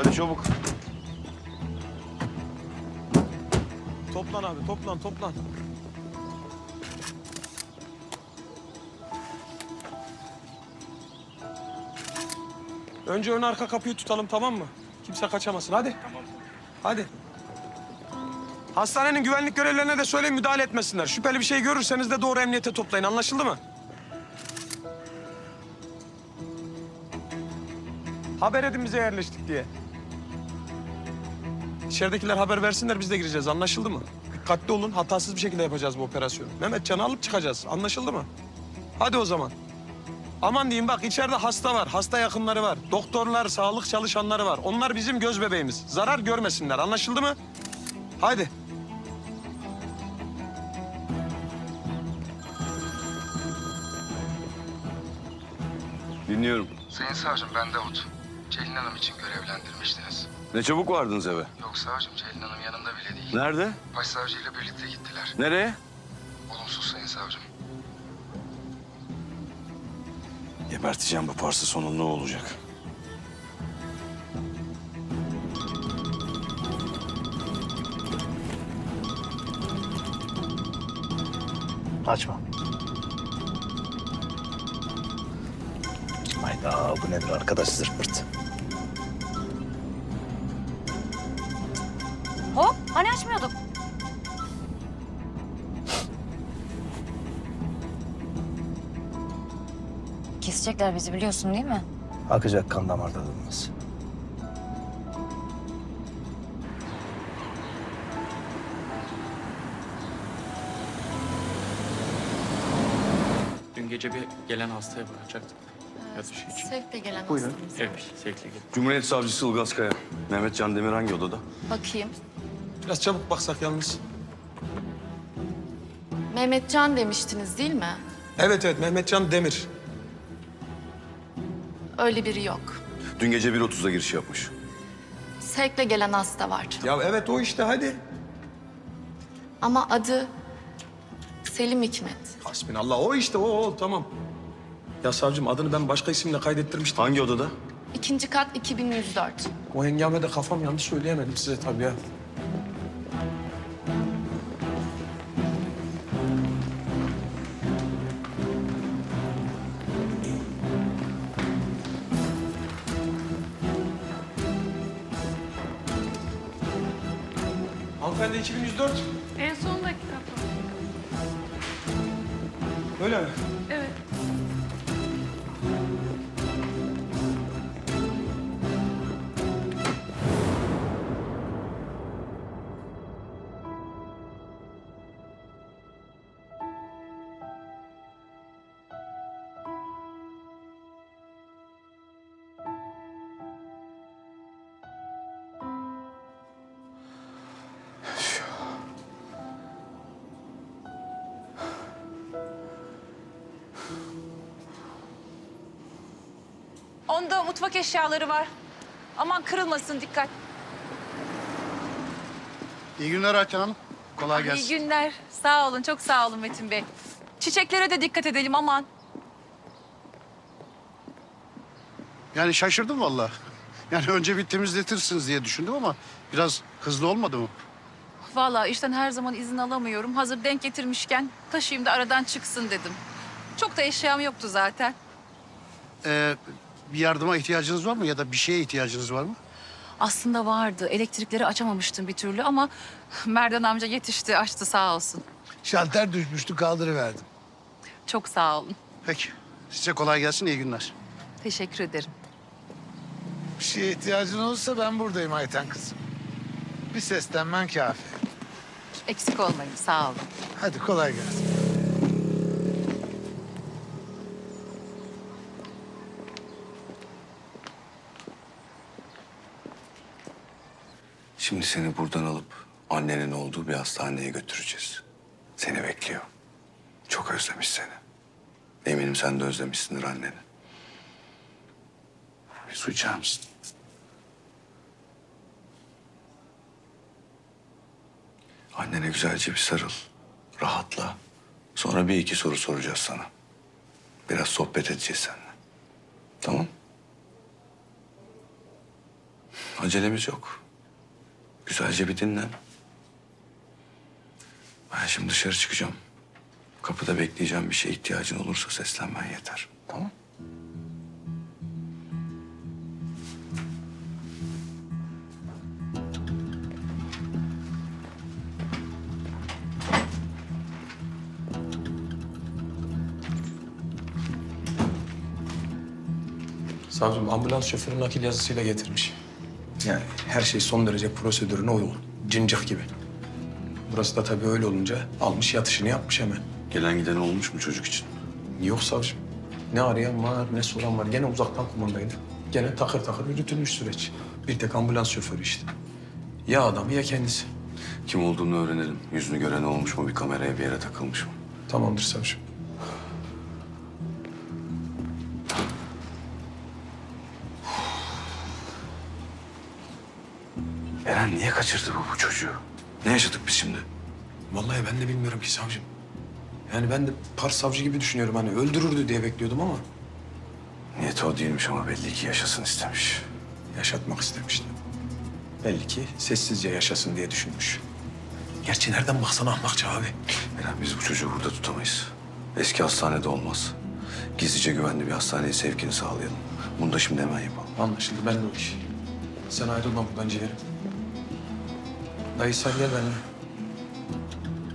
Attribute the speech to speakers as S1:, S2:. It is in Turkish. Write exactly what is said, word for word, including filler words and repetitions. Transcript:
S1: Hadi çabuk.
S2: Toplan abi, toplan, toplan. Önce ön arka kapıyı tutalım, tamam mı? Kimse kaçamasın, hadi. Tamam. Hadi. Hastanenin güvenlik görevlilerine de söyleyin müdahale etmesinler. Şüpheli bir şey görürseniz de doğru emniyete toplayın, anlaşıldı mı? Haber edin bize yerleştik diye. İçeridekiler haber versinler, biz de gireceğiz, anlaşıldı mı? Dikkatli olun, hatasız bir şekilde yapacağız bu operasyonu. Mehmetcan'ı alıp çıkacağız, anlaşıldı mı? Hadi o zaman. Aman diyeyim bak, içeride hasta var, hasta yakınları var. Doktorlar, sağlık çalışanları var. Onlar bizim göz bebeğimiz. Zarar görmesinler, anlaşıldı mı? Haydi.
S1: Dinliyorum.
S3: Sayın savcım, ben Davut. Celin Hanım için görevlendirmiştiniz.
S1: Ne çabuk vardınız eve.
S3: Yok savcım, Celin Hanım yanında bile değil.
S1: Nerede?
S3: Başsavcıyla birlikte gittiler.
S1: Nereye?
S3: Olumsuz sayın savcım.
S1: Geberteceğim bu parça, sonu ne olacak?
S4: Açma. Hayda, bu nedir arkadaş, zırt pırt.
S5: Hop, hani açmıyorduk? Kesecekler bizi biliyorsun değil mi?
S4: Akacak kan damarda durmaz.
S6: Dün gece bir gelen hastaya bakacaktık. Yatış için.
S7: Sevkle gelen
S6: Buyurun.
S7: hastamız.
S6: Evet, sevkli gelin.
S1: Cumhuriyet Savcısı Ilgaz Kaya. Mehmetcan Demir hangi odada?
S7: Bakayım.
S2: Biraz çabuk baksak yalnız.
S7: Mehmetcan demiştiniz değil mi?
S2: Evet evet, Mehmetcan Demir.
S7: Öyle biri yok.
S1: Dün gece bir otuzda giriş yapmış.
S7: Sevkle gelen hasta var.
S2: Ya evet o işte, hadi.
S7: Ama adı Selim Hikmet.
S2: Hasbinallah, o işte o, o tamam. Ya savcım, adını ben başka isimle kaydettirmiştim.
S1: Hangi odada?
S7: İkinci kat iki bin yüz dört.
S2: O hengamede kafam yanlış söyleyemedim size tabii ya. Hanımefendi iki bin yüz dört.
S8: En son dakika.
S2: Öyle mi?
S8: Evet.
S9: Onda mutfak eşyaları var. Aman kırılmasın, dikkat.
S10: İyi günler Ayten Hanım. Kolay gelsin.
S9: İyi günler. Sağ olun, çok sağ olun Metin Bey. Çiçeklere de dikkat edelim, aman.
S10: Yani şaşırdım vallahi. Yani önce bir temizletirsiniz diye düşündüm ama biraz hızlı olmadı mı?
S9: Vallahi işten her zaman izin alamıyorum. Hazır denk getirmişken taşıyayım da aradan çıksın dedim. Çok da eşyam yoktu zaten.
S10: Ee, bir yardıma ihtiyacınız var mı ya da bir şeye ihtiyacınız var mı?
S9: Aslında vardı. Elektrikleri açamamıştım bir türlü ama Merdan amca yetişti, açtı sağ olsun.
S10: Şalter düşmüştü, kaldırıverdim.
S9: Çok sağ olun.
S10: Peki. Size kolay gelsin, iyi günler.
S9: Teşekkür ederim.
S11: Bir şeye ihtiyacın olursa ben buradayım Ayten kızım. Bir seslenmen kafi.
S9: Eksik olmayın, sağ olun.
S11: Hadi kolay gelsin.
S1: Şimdi seni buradan alıp annenin olduğu bir hastaneye götüreceğiz. Seni bekliyor. Çok özlemiş seni. Eminim sen de özlemişsindir anneni. Bir su içer misin? Annene güzelce bir sarıl. Rahatla. Sonra bir iki soru soracağız sana. Biraz sohbet edeceğiz seninle. Tamam? Acelemiz yok. Güzelce bir dinlen. Ben şimdi dışarı çıkacağım. Kapıda bekleyeceğim, bir şeye ihtiyacın olursa seslenmen yeter. Tamam?
S2: Savcım ambulans şoförü nakil yazısıyla getirmiş. Yani her şey son derece prosedürüne uygun. Cincik gibi. Burası da tabii öyle olunca almış yatışını yapmış hemen.
S1: Gelen giden olmuş mu çocuk için?
S2: Yok savcım. Ne arayan var ne soran var. Gene uzaktan kumandaydı. Gene takır takır yürütülmüş süreç. Bir tek ambulans şoförü işte. Ya adamı ya kendisi.
S1: Kim olduğunu öğrenelim. Yüzünü gören olmuş mu? Bir kameraya bir yere takılmış mı?
S2: Tamamdır savcım.
S1: Eren niye kaçırdı bu, bu çocuğu? Ne yaşadık biz şimdi?
S2: Vallahi ben de bilmiyorum ki savcım. Yani ben de Pars savcı gibi düşünüyorum. Hani öldürürdü diye bekliyordum ama
S1: Niyeti o değilmiş ama belli ki yaşasın istemiş.
S2: yaşatmak istemişti. Belli ki sessizce yaşasın diye düşünmüş. Gerçi nereden baksan ahmakça abi.
S1: Eren biz bu çocuğu burada tutamayız. Eski hastanede olmaz. Gizlice güvenli bir hastaneye sevkini sağlayalım. Bunu da şimdi hemen yapalım.
S2: Anlaşıldı, ben de o iş. Sen ayrılma buradan ciğerim. Dayı sen gel benimle.